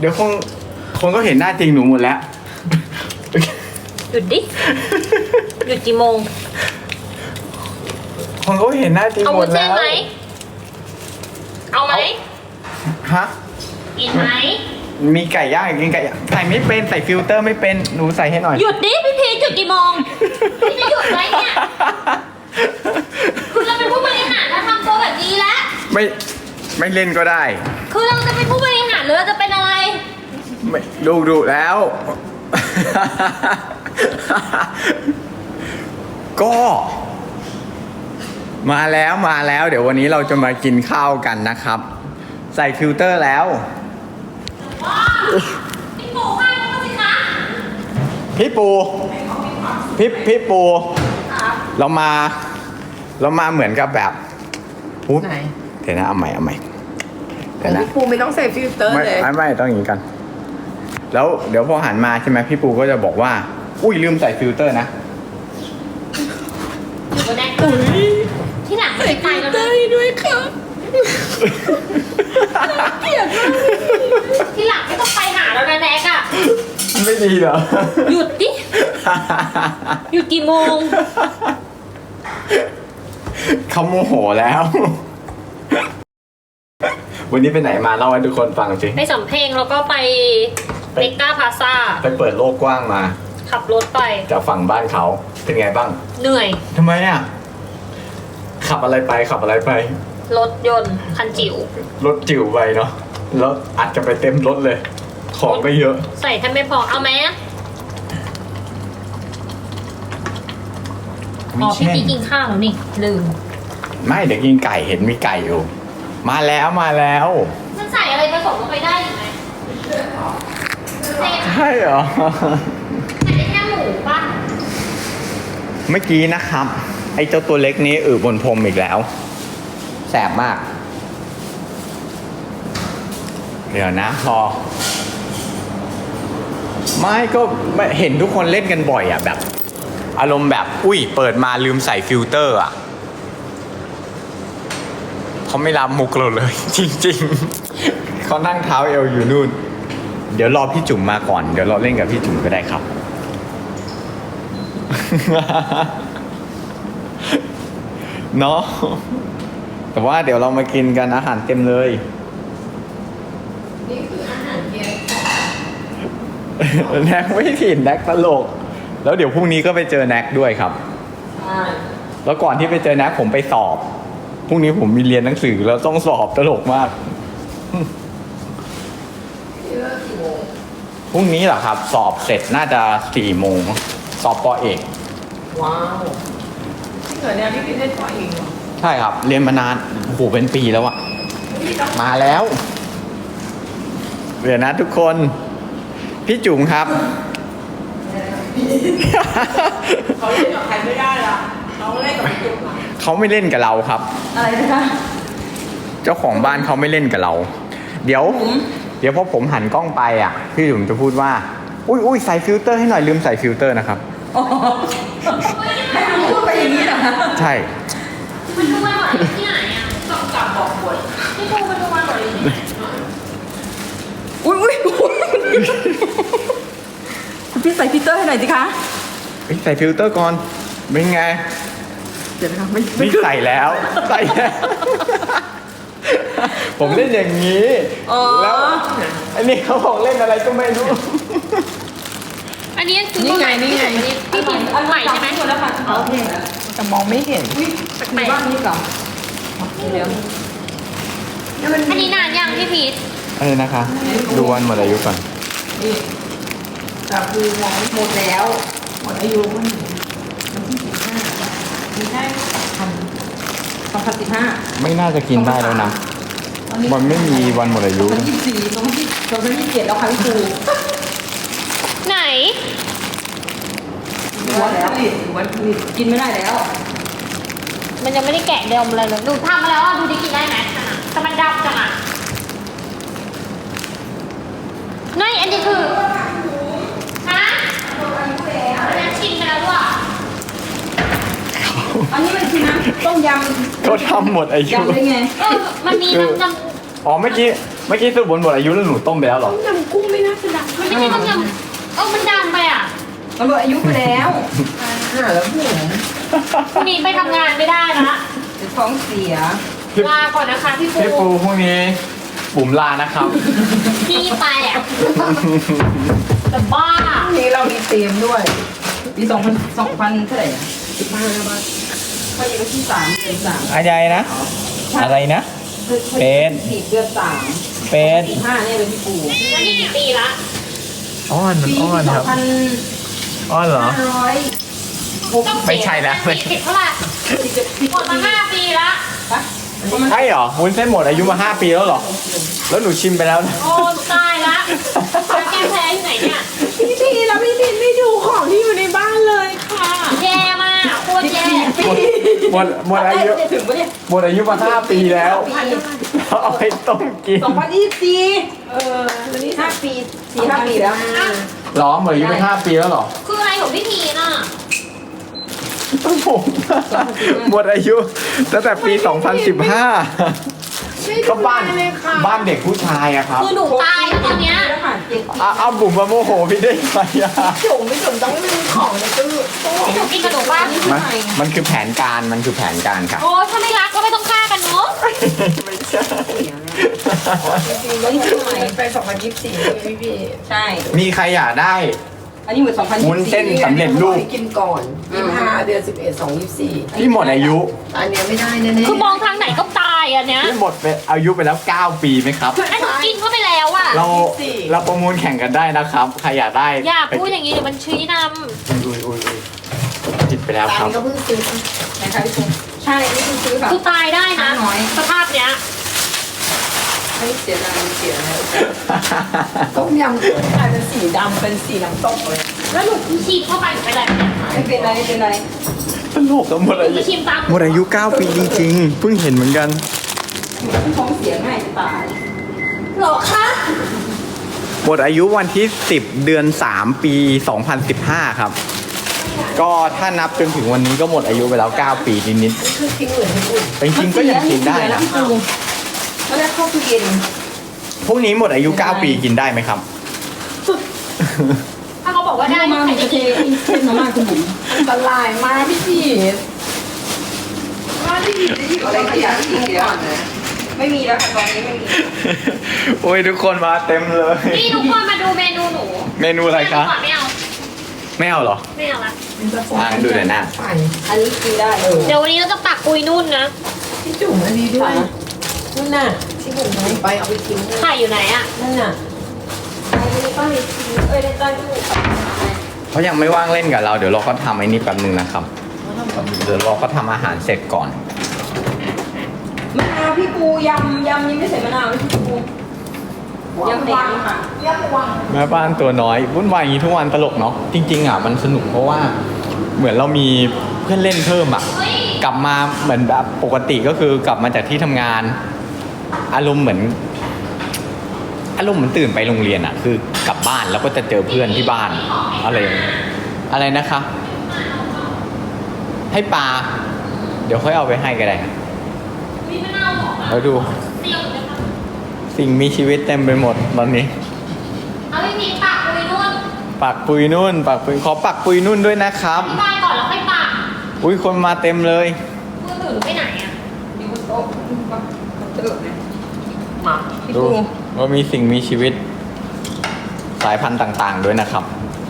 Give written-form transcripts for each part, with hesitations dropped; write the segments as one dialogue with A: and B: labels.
A: เดี๋ยวคนก็เห็นหน้าจริงหนูหมดแล้ว
B: หยุดดิ หยุดกี่โมง
A: คนก็เห็นหน้าจริง
B: เอา
A: หม
B: วุ้
A: ด
B: นเส้
A: แล้
B: น
A: ว
B: ไหม เอาไหม
A: ฮะ
B: กินไหม
A: มีไก่ย่างกินไก่ย่างใส่ไม่เป็นใส่ฟิลเตอร์ไม่เป็นหนูใส่ให้หน่อย
B: หยุดดิ พี่พีชหยุดกี่โมง พี่จะหยุดไหมเนี่ย คือเราเป็นผู้บริหารเราทำตัวแบบนี้แล้ว
A: ไม่เล่นก็ได้
B: คือเราจะเป็นผู้บริหารหรือเราจะเป็นอะไร
A: ไม่ดูแล้ว ก็มาแล้วเดี๋ยววันนี้เราจะมากินข้าวกันนะครับ ใส่ฟิลเตอร์แล้ว
B: พี่ปูให้เขาสิคะ
A: พี่ปูพี่ปูเรามาเหมือนกับแบบอุ๊ย
C: ไหน
A: เดี๋ยวนะเอาใหม่
C: ข
A: เดี๋
C: อย ง
A: วนะ
C: พี่ปูไม่ต้องใส่ฟิลเตอร์เลย
A: ไม่ต้องอย่างนี้กัน แล้วเดี๋ยวพอหันมาใช่ไหมพี่ปูก็จะบอกว่า อุ้ยลืมใส่ฟิลเตอร์นะ
B: อยู่บนแดกที่หลังไม่
C: ใส่
B: ได้ไป
C: ฟิล
B: แล้ว
C: เตอ
B: นะ
C: ร์ให้ด้วยค่ะเกลียดมาก
B: ที่หลังไม่ต้องไปหาแล้วนะแนกอะ
A: ไม่ดีเหรอ
B: หยุดดิ หยุดกี่โมง
A: เขาโมโหแล้ว วันนี้ไปไหนมาเล่าให้ทุกคนฟังสิ
B: ไปสำเพ็งแล้วก็ไปเมกาพาซา
A: ไปเปิดโลกกว้างมา
B: ขับรถไป
A: จากฝั่งบ้านเขาเป็นไงบ้าง
B: เหนื่อย
A: ทำไมอ่ะ ขับอะไรไป
B: รถยนต์คันจิ๋ว
A: รถจิ๋วไปเนาะแล้วอาจจะไปเต็มรถเลย ของก็เยอะ
B: ใส่แทบไม่พอ เอาไหมอะอ๋อพี่พีกินข้าวแล้วนี่ ลืม
A: ไม่เดี๋ยวกินไก่เห็นมีไก่อยู่ มาแล้ว
B: มันใส่อะไรผสมลงไปได้อยู่ไหมใส่
A: ใช่เหรอ
B: ได้แค่หมูป่ะ
A: เมื่อกี้นะครับ ไอ้เจ้าตัวเล็กนี้บนพรมอีกแล้ว แสบมาก เดี๋ยวนะพอ ไม่ก็ไม่เห็นทุกคนเล่นกันบ่อยอ่ะแบบ อารมณ์แบบ อุ้ยเปิดมาลืมใส่ฟิลเตอร์อ่ะเขาไม่รับมุกเราเลย จริงๆ เขานั่งเท้าเอวอยู่นู่น เดี๋ยวรอพี่จุ๋มมาก่อน เดี๋ยวเราเล่นกับพี่จุ๋มก็ได้ครับ เนาะแต่ว่าเดี๋ยวเรามากินกันอาหารเต็มเลย
C: นี่คืออาหารเย็น
A: แน็กไม่ผิดแน็กตลก แล้วเดี๋ยวพรุ่งนี้ก็ไปเจอแน็กด้วยครับ
C: ใช่
A: แล้วก่อนที่ไปเจอแน็กผมไปสอบ พรุ่งนี้ผมมีเรียนหนังสือแล้วต้องสอบตลกมาก
C: ที่เลิกกี่โมง
A: พรุ่งนี้เหรอครับ สอบเสร็จน่าจะ4 โมง สอบปอเอก
C: ว้าวที่เหนือเนี่ยพี่พีชเล่นตัวเองเหรอ
A: ใช่ครับ เรียนมานานโอ้โหเป็นปีแล้วอะ
C: พี่ต้อง
A: มาแล้วเดี๋ยวนะทุกคน พี่จุ๋มครับ
C: เขาเล่นกับใครไม่ได้ละเขาเล่นกับพี่จุ๊บอะ
A: เขาไม่เล่นกับเราครับ
C: อะไรนะคะ
A: เจ้าของบ้านเขาไม่เล่นกับเรา เดี๋ยวพอผมหันกล้องไปอ่ะ พี่จุ๋มจะพูดว่า อุ้ยใส่ฟิลเตอร์ให้หน่อยลืมใส่ฟิลเตอร์นะครับ
C: อ๋อให้มันพูดไปอย่างนี้เหรอคะ
A: ใช่
B: มันดูมันหมดที่ไหนอะ
C: ต้องกลับบอกบท
B: พี่ปูมันดูมันหมดที่ไหน
C: อุ้ยคุณพี่ใส่ฟิลเตอร์ให้หน่อยสิคะ
A: เฮ้ยใส่ฟิลเตอร์ก่อน เป็นไง
C: เดี๋ยวนะคะไม่
A: นี่ใส่แล้ว ใส่แล้ว ผมเล่นอย่างนี้
C: อ๋อ
A: แล้วอันนี้เขาบอกเล่นอะไรก็ไม่รู้
B: อันนี้คือ
C: นี่ไงนี่ไง
B: พี่พีอันใหม่ใช่ไหม
C: แล้วค่ะโอเคแต่มองไม่เห็นในบ้านนี้เหรอเดี๋ยวนี่มัน
B: อันนี้นานยังพี่พีช
A: อะไรนะคะ ดูวันหมดอายุก่อน
C: นี่แต่คือมองหมดแล้วหมดอายุวันที่15มีแค่2015
A: ไม่น่าจะกินได้แล้วนะ มันไม่มีวันหมดอายุ
C: 2024 2027แล้วค่ะพี่ครู
B: ไหน
C: วันผลิตกินไม่ได้แล้ว
B: มันยังไม่ได้แกะเดิมอะไรเลยดูทำมาแล้วอ่ะดูดิกินได้ไหมแต่มันดำจังอ่ะนี่อันนี้คือฮะอันนั้นชิมไปแล้วด้วย
C: อันนี้มันคือน้ำต้มยำ
A: เขาทำหมดอายุ
C: ยำได้ไง
B: มันมีน้ำ
A: อ๋อเมื่อกี้เมื่อกี้สรุปหมดอายุแล้วหนูต้มไปแล้วเหรอ
C: ต้มยำกุ้งไม่น่าจะดัง
B: มันไม่ใช่ต้มยำมันดังไปอ่ะ
C: มันหมดอายุไปแล้วแล้วบุ๋ม
B: พรุ่งนี้ไปทำงานไม่ได้ละ
C: จะท้องเสีย
B: ลาก่อนนะคะพี่
A: พี่
B: ปู
A: ปูพรุ่งนี้บุ๋มลานะครับ
B: พี่ไปอ่ะแต่บ้า
C: พรุ่งนี้เรามีเตรียมด้วยปี2000เท่าไหร่15บาทพอดีวันที่3เดือน3
A: อะไรนะ อะไรนะ เป็น
C: 4เดือน3
A: เป็น
C: 5เนี่ยเลยพี่ปู
B: แล้วนี่กี่ปีละ
A: อ้อนมัน
C: ปี
A: อ้อนครับ
C: 2500
A: อ้อนเหรอ
B: ต้อง
A: ไม่ใช่นะ
B: ผิดเท่าไหร่หมดมา5 ปีละ
C: ปะประมาณ
A: ใช่เหรอวุ้นเส้นหมดอายุมา 5 ปีแล้วเหรอ แล้วหนูชิมไปแล้วนะ
B: โอ้ตายละแล้วแกแพ้ที่ไหนเนี่ย
C: พี่แล้วพี่พินไม่ดูของที่อยู่ในบ้านเลยค่ะ
B: แย่มากโคตรแย่
A: หมดอายุ
C: ถึงปะเนี่ย
A: หมดอายุมา 5 ปีแล้วเอาไปต้มกิน
C: 2024แล้วนี่5 ปี4-5 ปีแล้ว
A: หรอหมดอายุไป5 ปีแล้วเหรอ
B: คืออะไรของพี่พีน่ะ
A: ผมหมดอายุตั้งแต่ปี 2015 ก็บ้านเด็กผู้ชายอะครับ
B: คือหนูตายแล้วตอนเนี้ย
A: เอาบุ๋มมาโมโหพี่ได้ไงอะ
C: จุ่มไม่จุ่มต้องไม่มีของในตู้
B: หนูกินขนมบ้าง
A: มันคือแผนการมันคือแผนการครับ
B: โอ้ถ้าไม่รักก็ไม่ต้องฆ่ากันเนาะ
A: ไม่ใช่
C: แล้วนี่คือไหนไป2024พี่ใช่
A: มีใครอยากได้
C: อันนี้เหมือน2024
A: วุ้นเส้นสำเร็จรูป
D: กินก่อน25 เดือน 11 2
A: ที่หมดอายุ
D: 24 อันเนี้ยไม่ได้แน่ๆ
B: คือมองทางไหนก็ตายอันเนี้ย
A: ที่หมดไปอายุไปแล้ว 9 ปีไหมครับ
B: ไอ้หนูกินเข้าไปแล้วอะ
A: เราประมูลแข่งกันได้นะครับ ใครอยากได้
B: อย่าพูดอย่างนี้เดี๋ยวมันชี้น
A: อุ้ยผิดไปแล้วค
D: ตั
A: รับ
D: นก็เพิ่งซื้อ
C: นะคะพี่ปูใช่นี่คือซื้อ
B: ำ
C: ค่ะ
B: คือตายได้นะ
C: น้อย
B: สภาพเนี้ย
C: ไม่เสียดายเสียแล้ว
D: ต้มยำกุ้งกลายเป็นสีดำเป็นสีน้ำต้มเลย
B: แล้วหนูฉีดเข้าไปหนูเป็นไรเนี่ย
C: ไม่เป็นไรไม่เป็นไร
A: ตลกอะหมด
B: หนู
A: อายุ
B: จะชิมตาม
A: หมดอายุ 9 ปีจริงๆ เพิ่งเห็นเหมือนกัน
C: ท้องเสียง่ายจะตาย
B: หรอคะ
A: หมดอายุวันที่ 10 เดือน 3 ปี 2015 ครับ ก็ถ้านับจนถึงวันนี้ก็หมดอายุไปแล้ว 9 ปีนิด
D: คือทิ้งเหมือนญี่ปุ่น
A: ๆแต่จริงๆก็ยังกินได้นะ
C: แล้วได้เข้าตู้เย็น
A: พวกนี้หมดอายุ 9 ปีกินได้ไหมครับ
B: ถ้าเขาบอกว่าได้
C: มา
B: ใคร
C: จะ
B: จะ
C: เท
B: กิน
C: ขึ้นมาม่าคุณบุ๋ม
D: อันตรายมากพี่พีทว่าพี่พีทจะหยิบอะไรขยะที่ทิ้งก่อนนะ
C: ไม่มีแล้วค่ะตอนนี้ไม่มี
A: โอ้ยทุกคนมาเต็มเลย
B: นี่ทุกคนมาดูเมนูหนู
A: เมนูอะไรคะ
B: ไม่เอา
A: ไม่เอาเหรอ
B: ไม่เอาละ
D: มันจะ
A: อ่าดูหน่อยนะ
D: ไป
C: อันนี้กินได้
B: เดี๋ยววันนี้เราจะปักปุยนุ่นนะ
D: พี่จุ๋มอันนี้ด้วยนั่นน่ะที่ผมเอาไปเอาไปทิ้งเลย
B: ไข่อยู่ไหนอะ
D: นั่นน่ะ
B: อันนี้ก็มีในใต้ตู้
A: เขายังไม่ว่างเล่นกับเรา เดี๋ยวเราก็ทำไอ้นี่แป๊บนึงนะครับ เดี๋ยวเราก็ทำอาหารเสร็จก่อน
C: มะนาวพี่ปูยำยังไม่ใส่มะนาวพี่ปูยำแดงค่ะ
A: แม่บ้านตัวน้อยวุ่นวายอย่างนี้ทุกวันตลกเนาะจริงๆอ่ะมันสนุกเพราะว่าเหมือนเรามีเพื่อนเล่นเพิ่มอ่ะ กลับมาเหมือนแบบปกติก็คือกลับมาจากที่ทำงาน อารมณ์เหมือนตื่นไปโรงเรียนอ่ะ คือกลับบ้านแล้วก็จะเจอเพื่อนที่บ้านอะไรนะคะ ให้ปลาเดี๋ยวค่อยเอาไปให้ก็ได้
B: มีมะนาวหอมอะ
A: แล้วดู
B: เตียวเลยค่ะ
A: สิ่งมีชีวิตเต็มไปหมดตอนนี้
B: เอาไม่มีปักปุยนุ่น
A: ปักปุยนุ่นปักปุยขอปักปุยนุ่นด้วยนะครับ
B: อธิบายก่อนแล้วค่อยปัก
A: อุ้ยคนมาเต็มเลย
B: มือถือหนูไปไหนอะ
C: อยู่บนโต๊ะตลกนะ
D: มา
C: พี่
A: ดู
C: ปู
A: ว่ามีสิ่งมีชีวิต สายพันธุ์ต่างๆด้วยนะครับ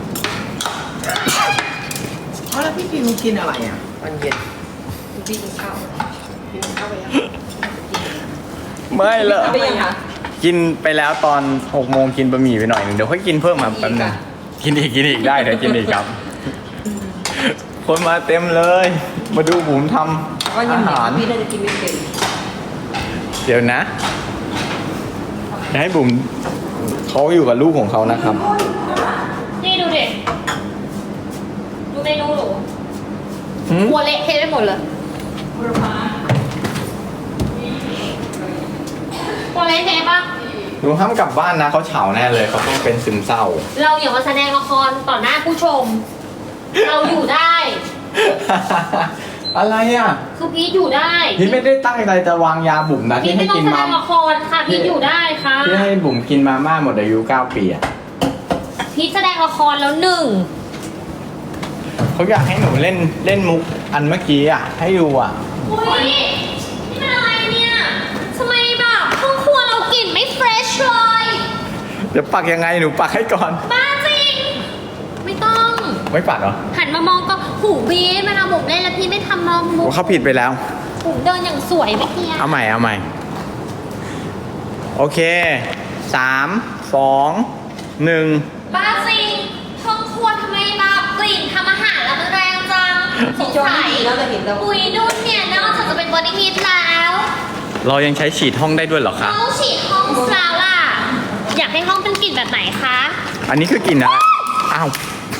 D: แล้วพี่พีมกินอะไรอ่ะวันเย็น
C: พี่กินข้าว
D: กินข้าวไปยัง
A: ไม่เลย
C: ไปยังคะ
A: กินไปแล้วตอน6 โมงกินบะหมี่ไปหน่อยหนึงเดี๋ยวค่อยกินเพิ่มมาแป๊บนึงกินอีกได้เดี๋ยวกินอีกครับ คนมาเต็มเลย มาดูบุ๋มทำ
C: ว่า
A: อา
C: ยังไง
A: หาร
C: พี่น่าจะกินไม่เป็น
A: เดี๋ยวนะจะให้บุ๋มเขาอยู่กับลูกของเขานะครับ
B: นี่ดูดิดูเมนูหนู
A: หืม
B: หัวเละเทะไปหมดเลยหัวเละเทะปะ
A: หนูห้ามกลับบ้านนะเขาเฉาแน่เลยเขาต้องเป็นซึมเศร้า
B: เราอย่ามาแสดงละครต่อหน้าผู้ชม เราอยู่ได้
A: อะไรอ่ะ
B: คือพีทอยู่ได้
A: พี่ไม่ได้ตั้งใจจะวางยาบุ๋มนะ
B: พีท
A: ที่
B: ไม่
A: ให้
B: ต้อง
A: กิน
B: แสด
A: มาง
B: ละครค่ะพีทอยู่ได้ค่ะ
A: ที่ให้บุ๋มกินมาม่าหมดอายุ9 ปีอ่ะ
B: พีทแสดงละครแล้วหนึ่ง
A: เขาอยากให้หนูเล่นมุกอันเมื่อกี้อ่ะให้ดูอ่ะ
B: อุ้ยนี่เป็นอะไรเนี่ยทำไมแบบห้องครัวเรากลิ่นไม่เฟรชเลย
A: เดี๋ยวปักยังไงหนูปักให้ก่อน
B: บ้าจริง ไม่ต้อง
A: ไม่ปักเหรอ
B: หันมามองก็หูบีทมันเอาบุ๋มเล่นแล้วพี่ไม่ทำมองมุ
A: โอ้
B: ก
A: เขาผิดไปแล้ว
B: บุ๋มเดินอย่างสวยเมื่อกี้
A: เอาใหม่โอเค3 2 1
B: บ้าจริงห้องครัวทำไมแบบกลิ่นทำอาหารแล้วมันแรงจังสง
C: โจ
B: สัย
C: นี่แล้วจะเห็นเรา
B: ปุ๋ยนุ่นเนี่ยนอกจากจะเป็นบอดี้มิสแล้ว
A: เรายังใช้ฉีดห้องได้ด้วยเหรอคะ
B: ต้องฉีดห้องแล้วล่ะ อยากให้ห้องเป็นกลิ่นแบบไหนคะ
A: อันนี้คือกลิ่นอะไรอ้าว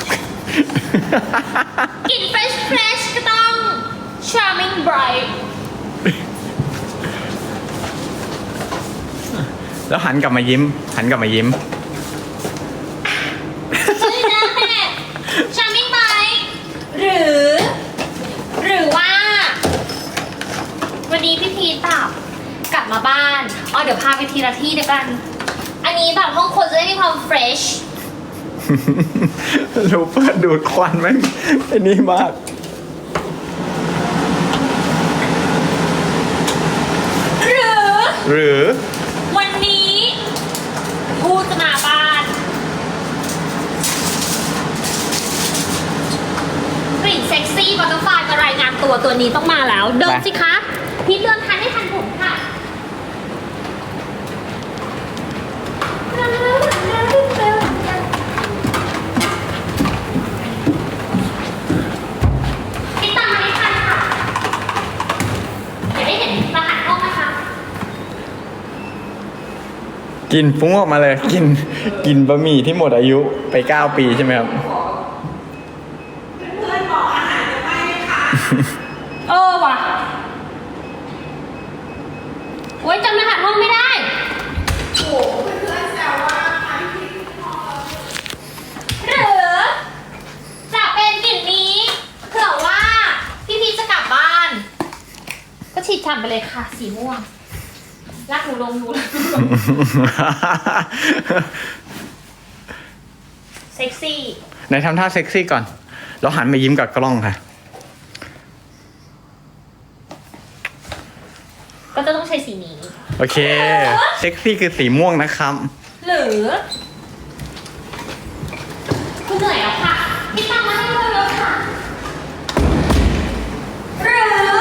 B: กลิ่นเฟรชเฟรชก็ต้อง charming bright
A: แล้วหันกลับมายิ้ม
B: ชื่อนะ charming bright หรือว่า วันนี้พี่พีทแบบกลับมาบ้านอ๋อเดี๋ยวพาไปทีละที่เดียวกัน อันนี้แบบห้องครัวจะได้มีความเฟรช
A: รูเปิดดูดควันไหมไอ้นี่มาก หรือ
B: วันนี้ผู้จะมาบ้านกลิ่นเซ็กซี่บัตเตอร์ฟลายมารายงานตัวนี้ต้องมาแล้ว เดินสิคะพี่เดินทันไม่ทันผมค่ะพี่ตามมาไม่ทันค่ะอยากได้เห็นรหัสห้องนะคะ
A: กินฟุ้งออกมาเลย กินบะหมี่ที่หมดอายุไป9 ปีใช่ไหมครับ
B: เออว่ะโอ๊ยจำรหัสห้องไม่ได้ หรือจะเป็นกลิ่นนี้เผื่อว่าพี่พีชจะกลับบ้าน ก็ฉีดฉ่ำไปเลยค่ะ สีม่วงรักหนูลงหนูรักหนูลงเซ็กซี่
A: ไหนทำท่าเซ็กซี่ก่อน แล้วหันมายิ้มกับกล้องค่ะ
B: ก็จะต้องใช้สีนี้
A: โอเค เซ็กซี่คือสีม่วงนะครับ
B: หรือคุณเหนื่อยแล้วค่ะพี่ตามมาให้เลยค่ะ หรือ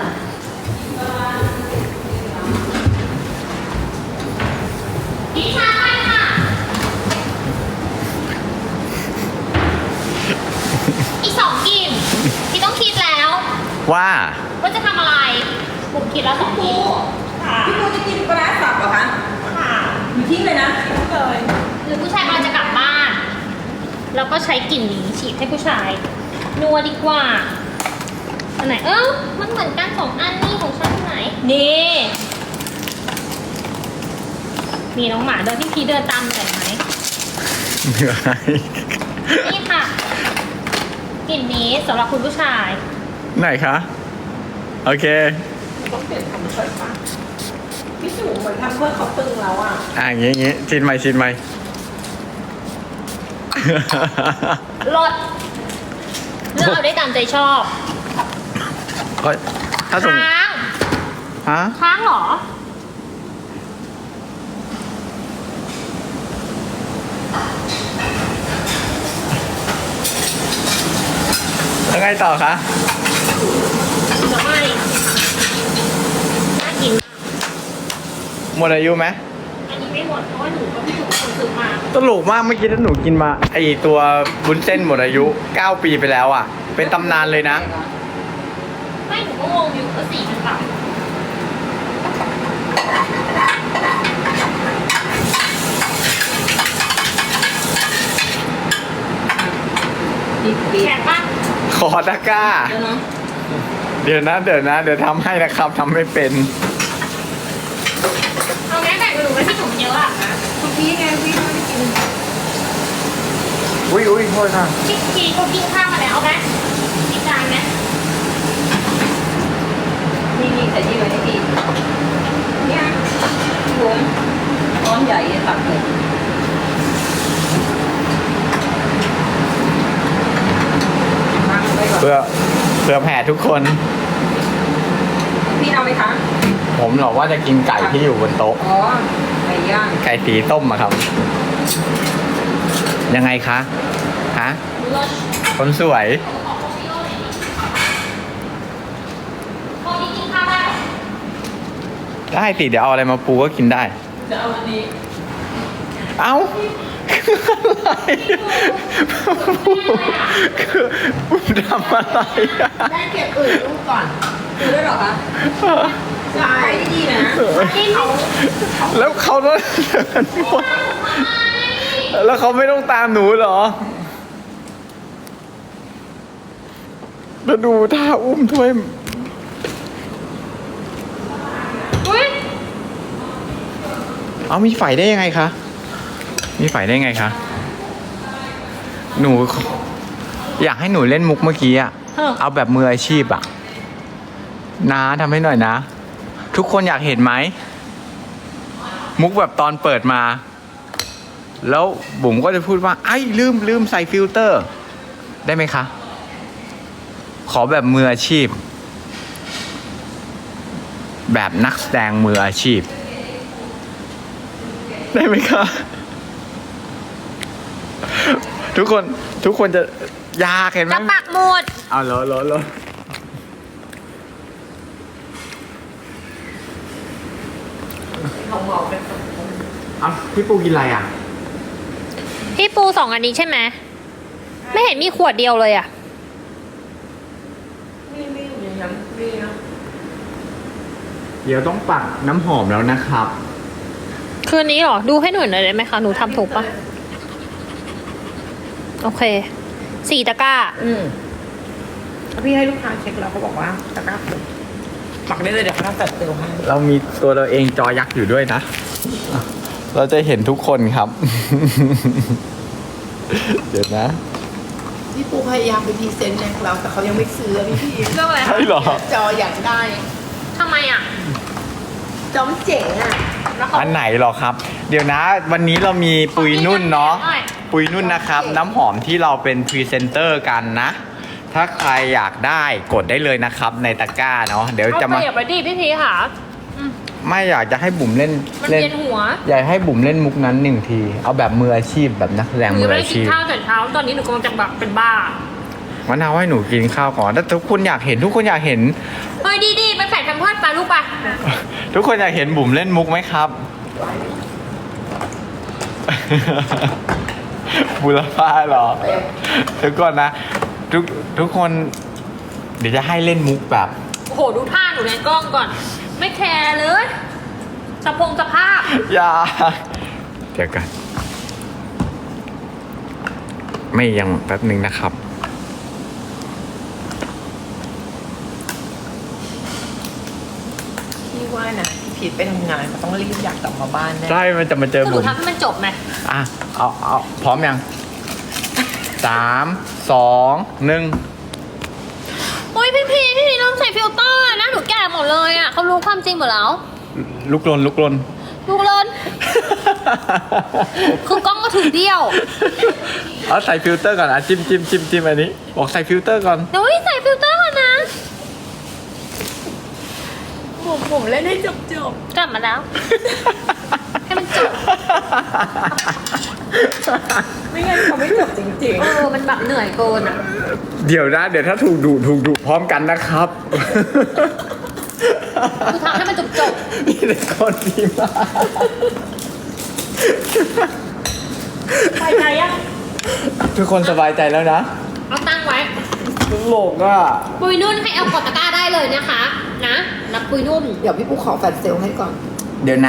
B: พี่ชาไปค่ะ อีก2กลิ่นพี่ต้องคิดแล้ว
A: ว่า
B: ว่าจะทำอะไรผมคิดแล้ว2กลิ่นค่ะ
C: พี่ปูจะกินปลาร้าสับเหรอคะ
B: ค่ะ
C: อยู่ทิ้งเลยนะเลย
B: หรือผู้ชายกำลังจะกลับบ้าน แล้วก็ใช้กลิ่นนี้ฉีดให้ผู้ชาย นัวดีกว่า อันไหน มันเหมือนกัน2 อันนี่ของฉันไหน นี่ มีน้องหมาเดินพี่พีเดินตามหน่อยไหม
A: เหนื่อย
B: นี่ค่ะ กลิ่นนี้สำหรับคุณผู้ชาย
A: ไหนคะ โอเค
C: ต้องเปลี่ยนคำช่วยปะพี่สูเหมือนทำเพื่อเขาตึงแล้วอ่ะ
A: อย่างงี้ชิดไหม
B: รสเลือกเอาได้ตามใจชอบ
A: ก็ถ้าสม
B: ค้าง
A: ฮะ
B: ค้างเหรอ
A: แล้วไงต่อคะ
B: จะไม่น่ากินมาก
A: หมดอายุไหม
B: อันนี้ไม่หมดเพราะว่าหนูก็พี่หนูคนซื้อมา
A: ตลกมากเมื่อกี้ถ้าหนูกินมาไอตัวบุญเส้นหมดอายุ 9 ปีไปแล้วอ่ะ เป็นตำนานเลยนะ
B: ไม่หนูก็งงอยู่ว่าสีมันแบบแข็งปะ
A: ขอตะกร้า เดี๋ยวนะ เดี๋ยวทำให้นะครับทำไม่เป็น
B: เอาแม่แบ่งไปดูไว้ที่หนูเยอะอ่ะ
C: คุณพี่ไงพี่ไม่ได้กิน
A: อุ้ยโทษค่ะ
B: พี่พีเขากินข้าวมาแล้วเอาไหมมีจานไหม
D: ส่นี่ไว้ให้พี่เนี่ยผมก้อนใหญ่ตักเลยตั้งไว้ก่อน
A: เพื่อแผ่ทุกคน
D: พี่เอาไหมคะ
A: ผมหรอกว่าจะกินไก่ที่อยู่บนโต๊ะ
D: อ๋อไก่ย่าง
A: ไก่สีต้มอะครับ ยังไงคะฮะคนสวย
B: พอนี้กินข้าวได้
A: ได้สิเดี๋ยวเอาอะไรมาปูก็กินได้
D: จะเอาอันนี้
A: เอ้าอะไรคือทำอะไรอะ
C: ได้เก็บอื่นลูกก่อน
D: ดูด้วยเหรอคะใช่ดีๆนะ
A: แล้วเขาต้องเดินหมดแล้วเขาไม่ต้องตามหนูเหรอแล้วดูท่าอุ้มถ้วย
B: อุ้ย
A: เอามีไฟได้ยังไงคะ มีไฟได้ไงคะ หนูอยากให้หนูเล่นมุกเมื่อกี้อะเอาแบบมืออาชีพอะนะทำให้หน่อยนะ ทุกคนอยากเห็นไหม มุกแบบตอนเปิดมา แล้วบุ๋มก็จะพูดว่าไอ้ลืมใส่ฟิลเตอร์ ได้ไหมคะ ขอแบบมืออาชีพ แบบนักแสดงมืออาชีพ ได้ไหมคะ ทุกคนจะยากเห็นไหม
B: จะปักหมด
A: เอาเหรอเอาพี่ปูกินอะไรอ่ะ
B: พี่ปู2 อันนี้ใช่ไหม ไม่เห็นมีขวดเดียวเลยอ่ะ
D: ไม่อยู่อย่างนั้นพี่นะ
A: เดี๋ยวต้องปักน้ำหอมแล้วนะครับ
B: คืนนี้เหรอ ดูให้หน่อยได้ไหมคะ หนูทำถูกปะโอเค 4 ตะกร้า
C: พี่ให้ลูกค้าเช็คแล้วเขาบอกว่าตะกร้าถูกปักได้เลยเดี๋ยวเขาทำแฟลชเซลให้
A: เรามีตัวเราเองจอยักษ์อยู่ด้วยนะ เราจะเห็นทุกคนครับ เดี๋ยวนะ
C: พี่ปูพยายามไปพรีเซนต์เนี่ยเราแต่เขายังไม่ซื้อพี่
B: เรื่องอะไร
A: ใช่เหรอ
C: จออยากได้
B: ทำไมอ่ะ
C: จอมันเจ๋งอ่ะ
B: แล้วเขา
A: อันไหนหรอครับ เดี๋ยวนะ วันนี้เรามีปุยนุ่นเนาะ ปุยนุ่นนะครับ น้ำหอมที่เราเป็นพรีเซนเตอร์กันนะ ถ้าใครอยากได้กดได้เลยนะครับ ในตะกร้าเนาะ เดี๋ยวจะมา
B: เปรียบไปดิพี่พีค่ะ
A: ไม่อยากจะให้บุ๋มเล่น
B: มัน
A: เล่น
B: เวียนหัว
A: อยากให้บุ๋มเล่นมุกนั้นหนึ่งที เอาแบบมืออาชีพแบบนักแสดง
B: หนู
A: มื
B: ยัง
A: อ
B: ไม่ได้
A: อา
B: กิน
A: ชีพ
B: ข้าวแต่เช้า ตอนนี้หนูกำลังจะแบบเป็นบ้า
A: วันเอาให้หนูกินข้าวก่อนถ้าทุกคนอยากเห็นทุกคนอยากเห็น
B: เฮ้ยดีๆไปแฝดแพมเพิร์สไปลูกไป
A: ทุกคนอยากเห็นบุ๋มเล่นมุกไหมครับ บุรพาเหรอเดี๋ยวก่อนนะ ทุกคน เดี๋ยวจะให้เล่นมุกแบบ
B: โอ้โห ดูท่าหนูในกล้องก่อน ไม่แคร์เลยสภาพ
A: อย่าเดี๋ยวกันไม่ยังแป๊บหนึ่งนะครับ
C: พี่ว่านะพี่พีทไปทำงานเขาต้องรีบอยากกลับมาบ้านแน่
A: ใช่มันจะมาเจอ
B: คือหนู
A: บุ๋ม
B: ทำให้มันจบไหม
A: อ่ะ เอาพร้อมยัง 3 2 1
B: โอ้ยพี่พีลองใส่ฟิลเตอร์อะนะหนูแก่หมดเลยอ่ะเขารู้ความจริงหมดแล้ว
A: ลุกลน
B: ลูกเลินคือกล้องก็ถึงเดียว
A: เอาใส่ฟิลเตอร์ก่อนอ่ะจิ้มอันนี้บอกใส่ฟิลเตอร์ก่อน
B: เดี๋ยวใส่ฟิลเตอร์ก่อนนะ
C: ผมเล่นให้จบ
B: กลับมาแล้ว ให้มันจบ
C: ไม่งั้นเขาไม่จบจริง
B: มันแบบเหนื่อยเกินอ่ะ
A: เดี๋ยวนะเดี๋ยวถ้าถูกดุพร้อมกันนะครับ
B: คือทำให้มันจบ
A: มีแต่คนดีมาก
B: ไปใจยัง
A: ทุกคนสบายใจแล้วนะ
B: เอาตั้งไว้
A: ตลกอ่ะ
B: ปุยนุ่นให้เอากดตะกร้าได้เลยนะคะ นะนับปุยนุ่น
C: ๆ เดี๋ยวพี่ปูขอแฟลชเซลให้ก่อน
A: เดี๋ยวนะ